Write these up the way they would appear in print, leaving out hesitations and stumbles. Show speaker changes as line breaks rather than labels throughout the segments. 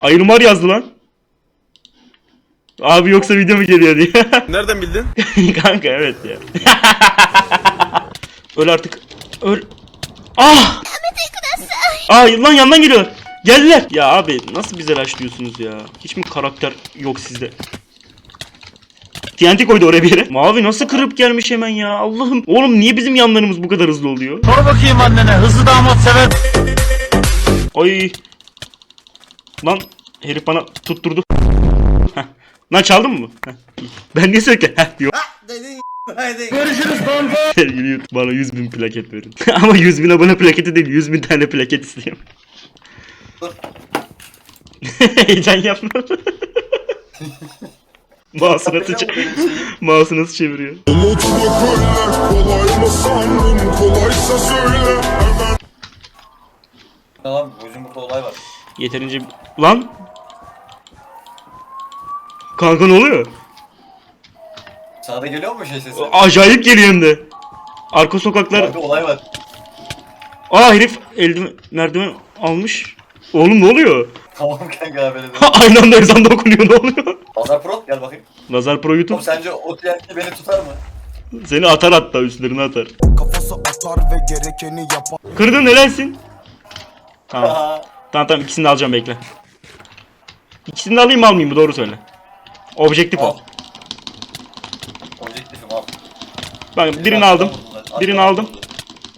Ayrımar yazdı lan. Abi yoksa video mu geliyor diye.
Nereden bildin?
Kanka evet ya. Öl artık. Öl. Ah! Lan yandan geliyorlar. Geldiler. Ya abi nasıl bize rushlıyorsunuz ya? Hiç mi karakter yok sizde? TNT koydu oraya bir yere. Mavi nasıl kırıp gelmiş hemen ya? Allah'ım. Oğlum niye bizim yanlarımız bu kadar hızlı oluyor?
Sor bakayım annene, hızlı damat sever.
Ay. Lan herif bana tutturdu. Heh. Lan çaldın mı? Heh. Ben niye söyleyeyim? Heh diyor.
Görüşürüz kanka.
Sevgili YouTube bana 100.000 plaket verin. Ama 100.000 abone plaketi değil, 100.000 tane plaket istiyorum. Heyecan yapma. Mouse'u nasıl çeviriyor?
Tamam, bizim burada olay var.
Yeterince... Lan! Kanka ne oluyor?
Sana da geliyor mu şey sesi?
Acayip geliyor hem de. Arka sokaklar...
Abi olay var.
Aa herif eldiven merdiven almış. Oğlum ne oluyor?
Tamam kanka haberi de.
Aynı anda ezan da okunuyor, ne oluyor?
Azar Pro gel bakayım.
Nazar Pro YouTube
Oğlum sence o TNT beni tutar mı?
seni atar hatta üstlerine atar.
Kafası atar ve gerekeni yapar.
Kırdın helalsin. Tamam.
Aha.
Tamam ikisini de alacağım bekle. İkisini de alayım mı almayayım mı doğru söyle. Objektif
Al.
ol.
Objektifim al.
Bak birini aldım. Birini
Arkadan
aldım.
vurdular.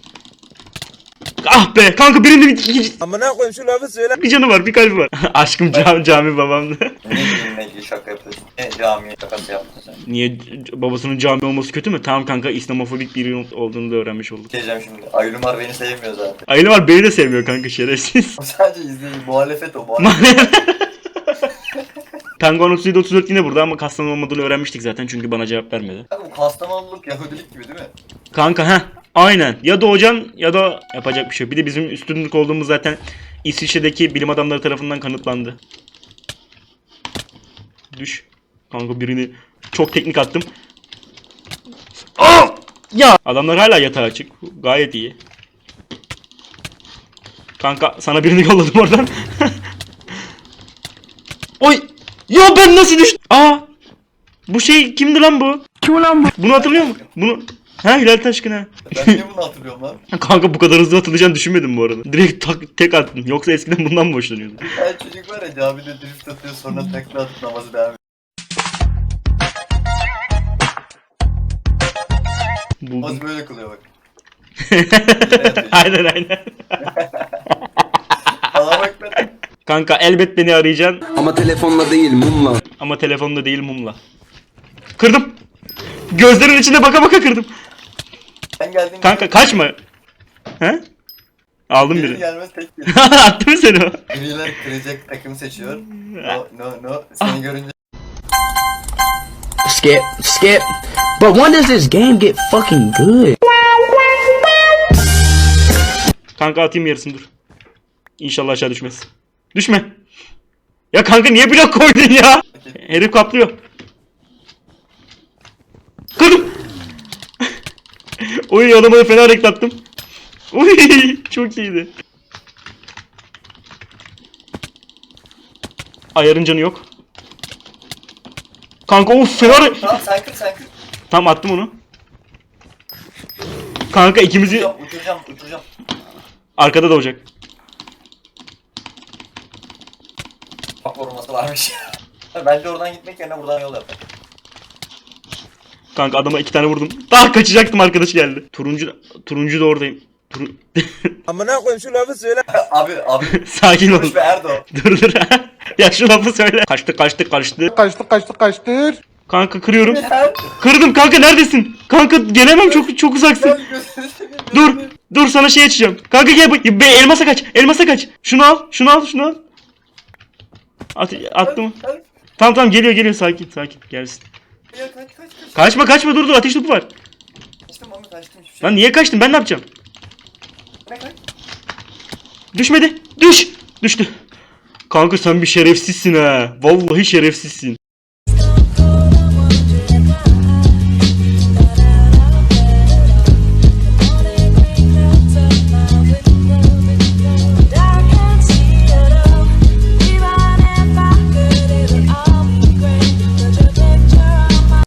Ah be kanka birinin
Amına koyayım şu lafı söyle.
bir canı var bir kalbi var. Aşkım cami babamdı.
Ne diye şaka yapıyorsun? Ne camiye şakası yaptın sen?
Niye babasının cami olması kötü mü? Tamam kanka İslamofobik biri olduğunu da öğrenmiş olduk.
Diyeceğim şimdi. Aylumar beni sevmiyor zaten.
Aile var beni de sevmiyor kanka şerefsiz.
O sadece izleyin. Muhalefet o. Muhalefet.
Penguin 37-34 yine burada ama Kastan olmadığını öğrenmiştik zaten çünkü bana cevap vermedi.
Kanka bu Kastamonuluk Yahudilik gibi değil mi?
Kanka aynen ya doğacaksın ya da yapacak bir şey yok. Bir de bizim üstünlük olduğumuz zaten İsviçre'deki bilim adamları tarafından kanıtlandı. Düş. Kanka birini çok teknik attım. Aa! Ya adamlar hala yatağa açık. Gayet iyi. Kanka sana birini yolladım oradan. Oy! Ya ben nasıl düştüm? Aa! Bu şey kimdi lan bu?
Kim lan bu?
Bunu hatırlıyor musun? Bunu Hilal Taşkın ha.
Ben niye bunu hatırlıyorum lan?
Kanka bu kadar hızlı atılacağını düşünmedim bu arada. Direkt tek attım. Yoksa eskiden bundan mı hoşlanıyordun?
Her çocuk var ya camide drift atıyor sonra tekrar atıp namazı devam ediyor.
Buldum.
Namazı böyle kılıyor bak.
aynen.
Allah bak ben.
Kanka elbet beni arayacaksın
Ama telefonla değil mumla.
ama telefonda değil mumla. Kırdım. Gözlerin içinde baka baka kırdım.
Sen geldin.
Kanka kaçma. He? Aldım
Gelir
biri.
gelmez tek geliyor.
Attı mı seni o?
Griler kıracak takım seçiyor. No. Seni görünce
Skip. But when does this game get fucking good?
Kanka atayım yarısını dur. İnşallah aşağı düşmez. Düşme. Ya kanka niye blok koydun ya? Herif kaplıyor. Kırdım. Oy adamı da fena reklattım. Oy çok iyiydi. Ayarın canı yok. Kanka of fena
Tamam sen kır.
Tamam attım onu. Kanka ikimizi
Uçuracağım.
arkada doğacak.
Bak vurması varmış. Bence oradan gitmek yerine buradan yol yap.
Kanka adama 2 tane vurdum. Daha kaçacaktım arkadaş geldi. Turuncu da oradayım.
Amına koyayım şu lafı söyle.
Abi.
Sakin ol.
Konuş be Erdo.
Dur. Ya şu lafı söyle. Kaçtı.
Kaçtır.
Kanka kırıyorum. Kırdım kanka neredesin? Kanka gelemem çok uzaksın. Dur sana şey açacağım. Kanka gel elmasa kaç. Şunu al. Attım. Tamam geliyor sakin gelsin.
Kaç.
Kaçma dur ateş topu var.
Kaçtım hiçbir şey.
Lan niye kaçtın ben ne yapacağım?
Kaç.
Düşmedi. Düştü. Kanka sen bir şerefsizsin ha. Vallahi şerefsizsin.